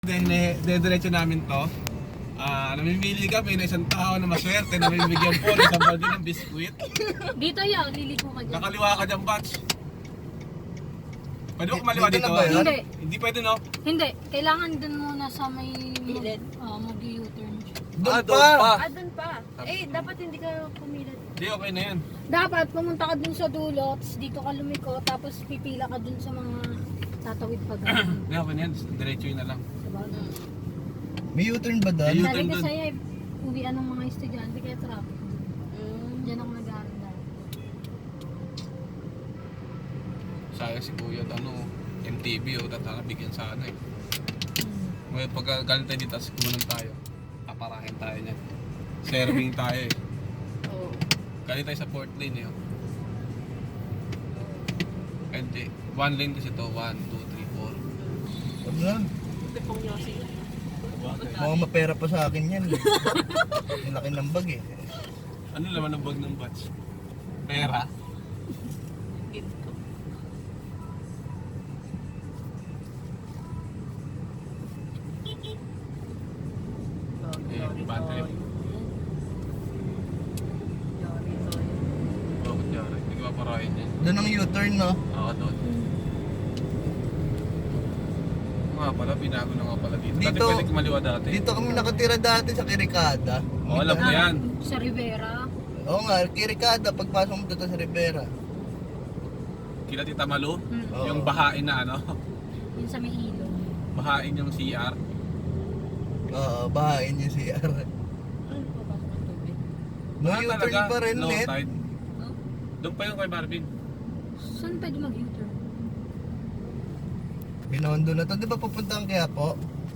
Diretso namin to. Namimili kami na isang tao na maswerte na may bigyan po ng isang balde ng biskwit. Dito yaw, liliko ka dyan. Nakaliwa ka dyan, Batch. Pwede mo kumaliwa Dito dito? na ba yan? Hindi. Hindi pwede, no? Hindi, kailangan dun muna sa may mag-u-turn. Doon doon pa. pa. Doon pa. Eh, dapat hindi ka pumilit. Hindi, okay na yan. Dapat pumunta ka dun sa dulo, tapos dito ka lumiko, tapos pipila ka dun sa mga tatawid pa gano'n. Hindi, okay na yan. Diretso yun na lang. Diba? May U-turn ba doon? May U-turn. Sabi ko dun. sa'yo, uwian ng mga estudyante kaya traffic. Diyan ako nag-aaral dahil. Sayang si Kuya, MTV, tatalabigyan sa ano eh. Ngayon, pag galing tayo dito, tapos kumanan tayo. Paparahin tayo niyan. Serving tayo eh. Oo. Galing tayo sa port lane eh. Hindi. One lane kasi to. 1, 2, 3, 4. Ano lang? Tipong yosi. Mukhang mapera pa sa akin yan. Ang laki ng bag eh. Ano laman ng bag ng batch? Pera? Bad trip. Bakit yari? Hindi ko paparahin yan. Doon ang U-turn, no? Oo, doon. Nga pala, binago na nga pala dito. Dati Dito- pwede kumaliwa dati. Dito kami nakatira dati sa Kirikada. Oo, alam ko yan. Sa Rivera. Oo nga, Kirikada. Pagpasok mo dito sa Rivera. Kila Tita Malu, Oo. yung bahain na ano, Yun sa may ilog. bahain yung CR. Oo, bahain yung CR. Ano pa ba sa tubig? No Ah, U-turn talaga, pa rin, low net. tide. No? Doon pa yung kay Marvin. Saan pwede mag-u-turn? Binondo na to. Di ba pupunta ang Quiapo?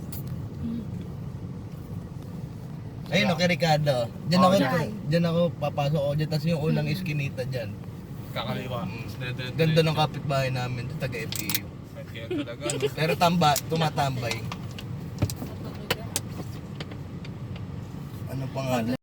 Ayun, no, Kirikada. Diyan Oo, ako, dyan. diyan ako papasok ako dyan. Tapos yung unang iskinita dyan. Kakaliwa. Ganda ng kapitbahay namin. Taga FEU. Kaya talaga, no? Pero tumatambay. Ano pangalan?